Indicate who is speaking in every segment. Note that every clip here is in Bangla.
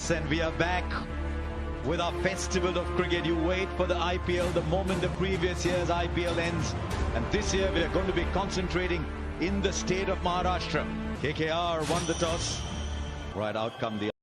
Speaker 1: And we are back with our festival of cricket. You wait for the IPL the moment the previous year's IPL ends, and this year we are going to be concentrating in the state of Maharashtra. KKR won the toss. Right out come the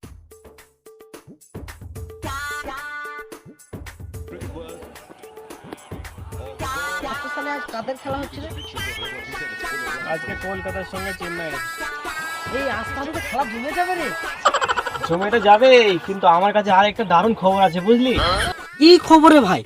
Speaker 2: আজকে কলকাতার সঙ্গে চেন্নাই। এই আজকে তো খেলা জমে যাবে রে। সময়টা যাবে, কিন্তু আমার কাছে আর একটা দারুণ খবর আছে, বুঝলি?
Speaker 3: কি খবরে ভাই?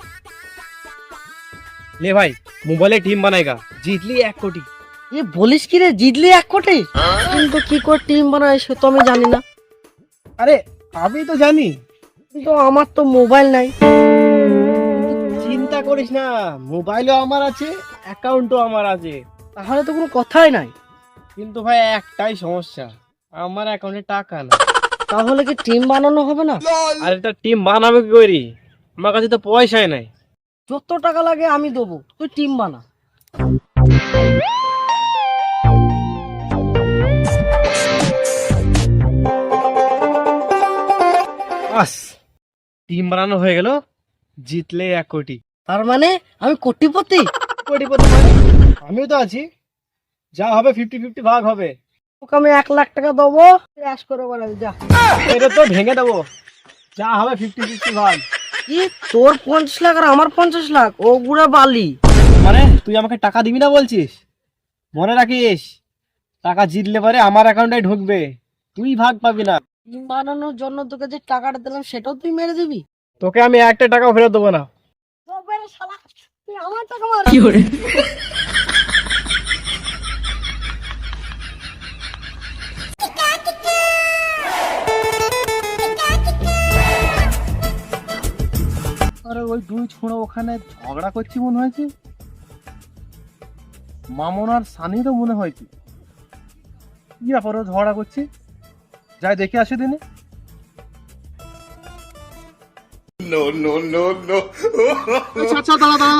Speaker 2: ले भाई, মোবাইলে টিম বানাएगा, জিতলি 1 কোটি।
Speaker 3: এ বলিস কি রে, জিতলি 1 কোটি? কিন্তু কি করে টিম বানায় সে তো আমি জানি না।
Speaker 2: আরে আমি তো জানি,
Speaker 3: কিন্তু আমার তো মোবাইল নাই।
Speaker 2: চিন্তা করিস না, মোবাইলও আমার আছে, অ্যাকাউন্টও আমার আছে।
Speaker 3: তাহলে তো কোনো কথাই নাই।
Speaker 2: কিন্তু ভাই একটাই সমস্যা, আমার অ্যাকাউন্টে টাকা না।
Speaker 3: তাহলে কি টিম বানানো হবে না?
Speaker 2: আরে তা টিম বানাবে কি করি? আমার কাছে তো পয়সাই নাই।
Speaker 3: যত টাকা লাগে আমি দেবো, তুই টিম বানা।
Speaker 2: বাস, টিম বানানো হয়ে গেল, জিতলে 1 কোটি।
Speaker 3: তার মানে আমি কোটিপতি?
Speaker 2: কোটিপতি মানে আমিও তো আছি, যা হবে 50-50 ভাগ হবে।
Speaker 3: তোকে আমি 1 লাখ টাকা দেবো, ক্যাশ করে বানাবি যা।
Speaker 2: এটা তো ভেঙে দেবো, যা হবে 50-50 ভাগ।
Speaker 3: কি তোর 50 লাখ আর আমার 50 লাখ? ও গুড়া বালি।
Speaker 2: মানে তুই আমাকে টাকা দিবি না বলছিস? মনে রাখিস, টাকা জিতলে পরে আমার অ্যাকাউন্টে ঢুকবে, তুই ভাগ পাবি না।
Speaker 3: টিম বানানোর জন্য তোকে যে টাকাটা দিলাম সেটাও তুই মেরে দিবি?
Speaker 2: তোকে আমি একটা টাকাও ফেরত দেবো না।
Speaker 3: তুই আমার টাকা মার।
Speaker 2: আরে ওই দুই ছোঁড়া ওখানে ঝগড়া করছি মনে হয়েছে, মামন আর সানি তো মনে হয়েছে। কি ব্যাপার, ও ঝগড়া করছি, যাই দেখে আসে দিনে। আচ্ছা দাঁড়া দাঁড়া,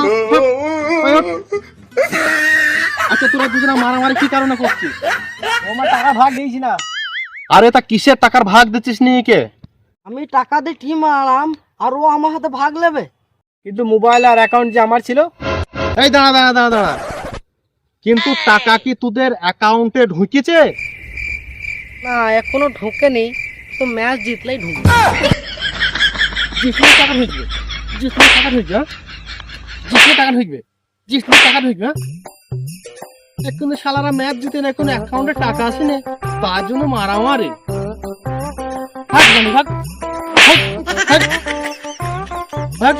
Speaker 2: আচ্ছা তোরা দুজনে মারামারি কি কারণে করছিস? ও আমার টাকা ভাগ দিয়েছি না। আরে তা কিসের টাকার ভাগ দিচ্ছিস নি কে?
Speaker 3: আমি টাকা দিয়ে টিম আনালাম আর ও আমার হাতে ভাগ নেবে।
Speaker 2: কিন্তু মোবাইল আর অ্যাকাউন্ট যে আমার ছিল। এই দাঁড়া দাঁড়া দাঁড়া দাঁড়া, কিন্তু টাকা কি তোদের অ্যাকাউন্টে ঢুকেছে?
Speaker 3: না এখনো ঢোকেনি, তো ম্যাচ জিতলেই ঢুকবে।
Speaker 2: জিতলে টাকা ঢুকবে, জিতলে টাকা ঢুকবে, জিতলে টাকা ঢুকবে, জিতলে টাকা ঢুকবে। এখন শালারা ম্যাচ জিতে না, এখন অ্যাকাউন্টে টাকা আসে না, তার জন্য মারামারি। ভাগ জানি ভাগ, ভাগ, ভাগ।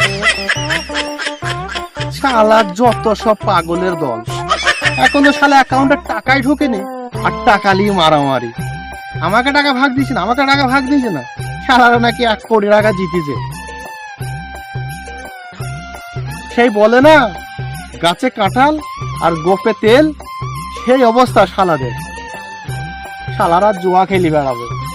Speaker 2: শালার যত সব পাগলের দল, এখন তো শালা অ্যাকাউন্টে টাকাই ঢোকেনি, আর টাকা নিয়ে মারামারি। আমাকে টাকা ভাগ দিয়েছে না, আমাকে টাকা ভাগ দিয়েছে না, শালারা নাকি 1 কোটি টাকা জিতেছে। সেই বলে না, গাছে কাঁঠাল আর গোপে তেল, সেই অবস্থা শালাদের। শালারা জুয়া খেলি বেড়াবে।